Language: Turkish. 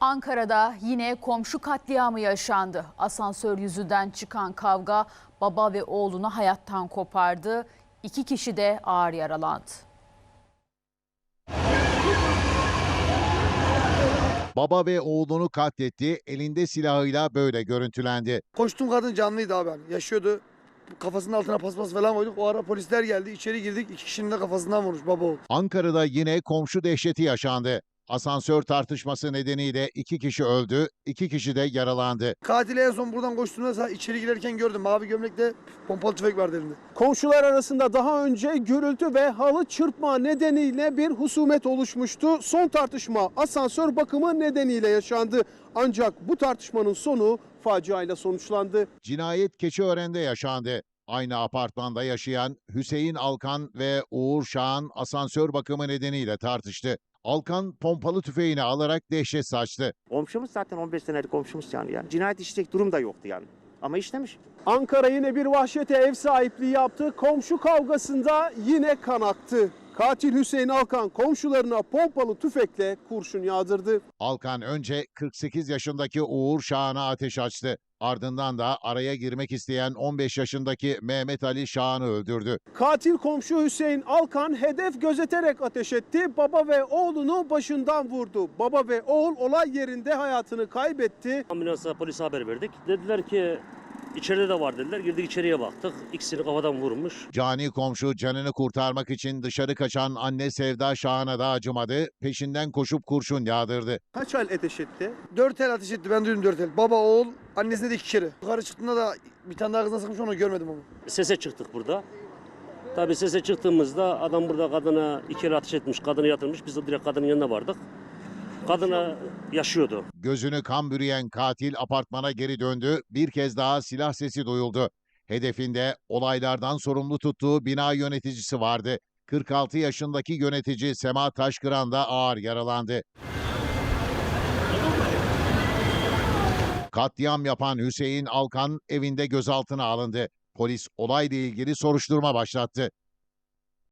Ankara'da yine komşu katliamı yaşandı. Asansör yüzünden çıkan kavga baba ve oğlunu hayattan kopardı. 2 kişi de ağır yaralandı. Baba ve oğlunu katletti, elinde silahıyla böyle görüntülendi. Koştum, kadın canlıydı abi. Yaşıyordu. Kafasının altına paspas falan koyduk. O ara polisler geldi. İçeri girdik. 2 kişinin de kafasından vurmuş baba oğul. Ankara'da yine komşu dehşeti yaşandı. Asansör tartışması nedeniyle 2 kişi öldü, 2 kişi de yaralandı. Katili en son buradan koştuğumda içeri girerken gördüm. Mavi gömlekte pompalı tüfek vardı elinde. Komşular arasında daha önce gürültü ve halı çırpma nedeniyle bir husumet oluşmuştu. Son tartışma asansör bakımı nedeniyle yaşandı. Ancak bu tartışmanın sonu faciayla sonuçlandı. Cinayet Keçiören'de yaşandı. Aynı apartmanda yaşayan Hüseyin Alkan ve Uğur Şahan asansör bakımı nedeniyle tartıştı. Alkan pompalı tüfeğini alarak dehşet saçtı. Komşumuz zaten 15 senelik komşumuz yani. Cinayet işleyecek durum da yoktu yani. Ama işlemiş. Ankara yine bir vahşete ev sahipliği yaptı. Komşu kavgasında yine kan aktı. Katil Hüseyin Alkan komşularına pompalı tüfekle kurşun yağdırdı. Alkan önce 48 yaşındaki Uğur Şahan'a ateş açtı. Ardından da araya girmek isteyen 15 yaşındaki Mehmet Ali Şahan'ı öldürdü. Katil komşu Hüseyin Alkan hedef gözeterek ateş etti. Baba ve oğlunu başından vurdu. Baba ve oğul olay yerinde hayatını kaybetti. Ambulansa polise haber verdik. Dediler ki içeride de var dediler. Girdik içeriye baktık. İkisini kafadan vurmuş. Cani komşu canını kurtarmak için dışarı kaçan anne Sevda Şahan'a da acımadı. Peşinden koşup kurşun yağdırdı. Kaç el ateş etti? 4 el ateş etti. Ben duydum 4 el. Baba oğul. Annesine de 2 kere. Yukarı çıktığında da bir tane daha kızına sıkmış, onu görmedim ama. Sese çıktık burada. Tabii sese çıktığımızda adam burada kadına 2 el ateş etmiş. Kadını yatırmış. Biz de direkt kadının yanına vardık. Kadına yaşıyordu. Gözünü kan bürüyen katil apartmana geri döndü. Bir kez daha silah sesi duyuldu. Hedefinde olaylardan sorumlu tuttuğu bina yöneticisi vardı. 46 yaşındaki yönetici Sema Taşkıran da ağır yaralandı. Katliam yapan Hüseyin Alkan evinde gözaltına alındı. Polis olayla ilgili soruşturma başlattı.